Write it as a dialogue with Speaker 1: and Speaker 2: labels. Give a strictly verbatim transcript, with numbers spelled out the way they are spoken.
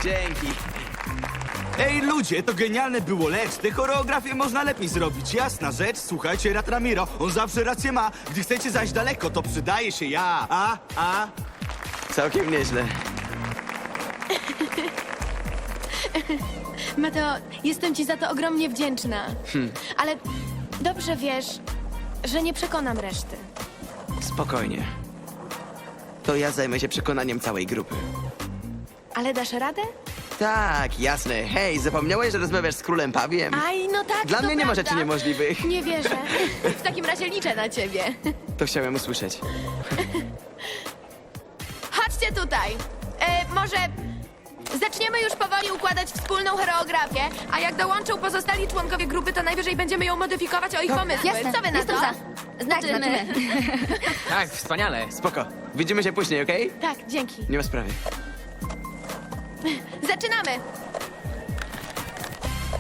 Speaker 1: Dzięki.
Speaker 2: Ej, ludzie, to genialne było, lecz te choreografię można lepiej zrobić. Jasna rzecz, słuchajcie Ratramiro, on zawsze rację ma. Gdy chcecie zajść daleko, to przydaje się ja. A, a.
Speaker 1: Całkiem nieźle.
Speaker 3: Mateo, jestem ci za to ogromnie wdzięczna. Ale dobrze wiesz, że nie przekonam reszty.
Speaker 1: Spokojnie. To ja zajmę się przekonaniem całej grupy.
Speaker 3: Ale dasz radę?
Speaker 1: Tak, jasne. Hej, zapomniałeś, że rozmawiasz z królem Pawiem?
Speaker 3: Aj, no tak,
Speaker 1: Dla
Speaker 3: to
Speaker 1: mnie nie ma
Speaker 3: prawda.
Speaker 1: rzeczy niemożliwych.
Speaker 3: Nie wierzę. W takim razie liczę na ciebie.
Speaker 1: To chciałem usłyszeć.
Speaker 3: Chodźcie tutaj. E, może zaczniemy już powoli układać wspólną choreografię, a jak dołączą pozostali członkowie grupy, to najwyżej będziemy ją modyfikować o ich pomysły.
Speaker 4: Jasne,
Speaker 3: Co wy na
Speaker 4: jestem
Speaker 3: to?
Speaker 4: za. Znaczy,
Speaker 3: Tak,
Speaker 4: my.
Speaker 5: Tak, wspaniale.
Speaker 1: Spoko. Widzimy się później, okej?
Speaker 3: Tak, dzięki.
Speaker 1: Nie ma sprawy.
Speaker 3: Zaczynamy.